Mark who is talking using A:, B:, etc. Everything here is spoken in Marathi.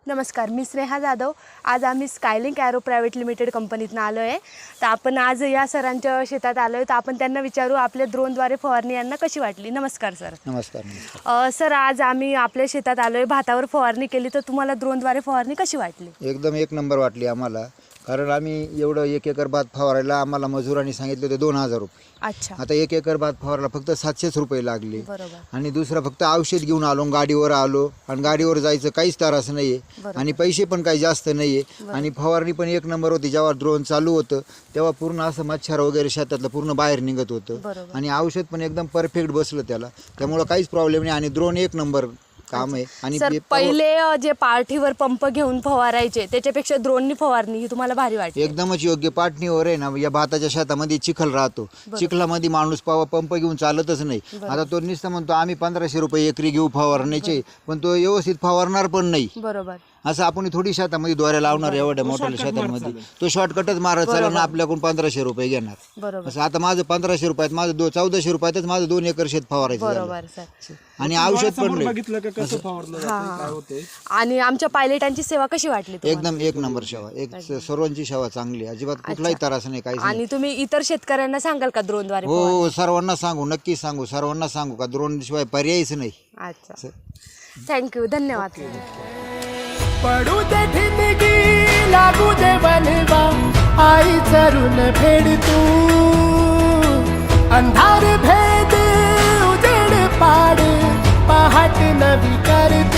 A: नमस्कार, मी स्नेहा जाधव। आज आम्ही स्कायलिंक एरो प्रायव्हेट लिमिटेड कंपनीतून आलो आहे। तर आपण आज या सरांच्या शेतात आलो आहे, तर आपण त्यांना विचारू आपल्या ड्रोनद्वारे फवारणी यांना कशी वाटली। नमस्कार सर।
B: नमस्कार।
A: सर, आज आम्ही आपल्या शेतात आलो आहे, भातावर फवारणी केली, तर तुम्हाला ड्रोनद्वारे फवारणी कशी वाटली।
B: एकदम एक नंबर वाटली आम्हाला, कारण आम्ही एवढं 1 एकर भात फवारायला आम्हाला मजुरांनी सांगितले होते 2000 रुपये।
A: अच्छा।
B: आता 1 एकर भात फवारायला फक्त 700 रुपये लागले।
A: बरोबर।
B: आणि दुसरं फक्त औषध घेऊन आलो, गाडीवर आलो, आणि गाडीवर जायचं काहीच त्रास नाही आहे, आणि पैसे पण काही जास्त नाही आहे, आणि फवारणी पण एक नंबर होती। जेव्हा ड्रोन चालू होतं तेव्हा पूर्ण असं मच्छर वगैरे शेतातलं पूर्ण बाहेर निघत होतं, आणि औषध पण एकदम परफेक्ट बसलं त्याला, त्यामुळं काहीच प्रॉब्लेम नाही, आणि ड्रोन एक नंबर काम आहे। आणि
A: सर, पहिले जे पाठीवर पंप घेऊन फवारायचे त्याच्यापेक्षा ड्रोननी फवारणी ही तुम्हाला भारी वाटते।
B: एकदमच योग्य। पाटणीवर आहे ना, या भाताच्या शेतामध्ये चिखल राहतो, चिखलामध्ये माणूस पंप घेऊन चालतच नाही। आता तो नुसतं म्हणतो आम्ही 1500 रुपये एकरी घेऊ फवारण्याचे, पण तो व्यवस्थित फवारणार पण नाही।
A: बरोबर।
B: असं आपण थोडी शेतामध्ये दोऱ्या लावणार, एवढ्या मोठ्या शेतामध्ये तो शॉर्टकटच मारत चालला ना, आपल्याकडून 1500 रुपये घेणार। असं आता माझं 1500 रुपयात माझं 1400 रुपयातच माझं 2 एकर शेत फवारायचं झालं। आणि औषध पण नाही।
A: आणि आमच्या पायलटांची सेवा कशी वाटली तुम्हाला?
B: एकदम एक नंबर सेवा, सर्वांची सेवा चांगली, अजिबात कुठलाही त्रास नाही, काही
A: आणि तुम्ही इतर शेतकऱ्यांना सांगाल का ड्रोनद्वारे?
B: हो, सर्वांना सांगू, नक्की सांगू, सर्वांना सांगू का ड्रोन शिवाय पर्यायच नाही।
A: अच्छा, थँक्यू, धन्यवाद।
C: पडू दे ठिणगी, लागू दे बनवा, आई चरून फेड तू, अंधार भेद उजेड पाड, पहाट नवी कर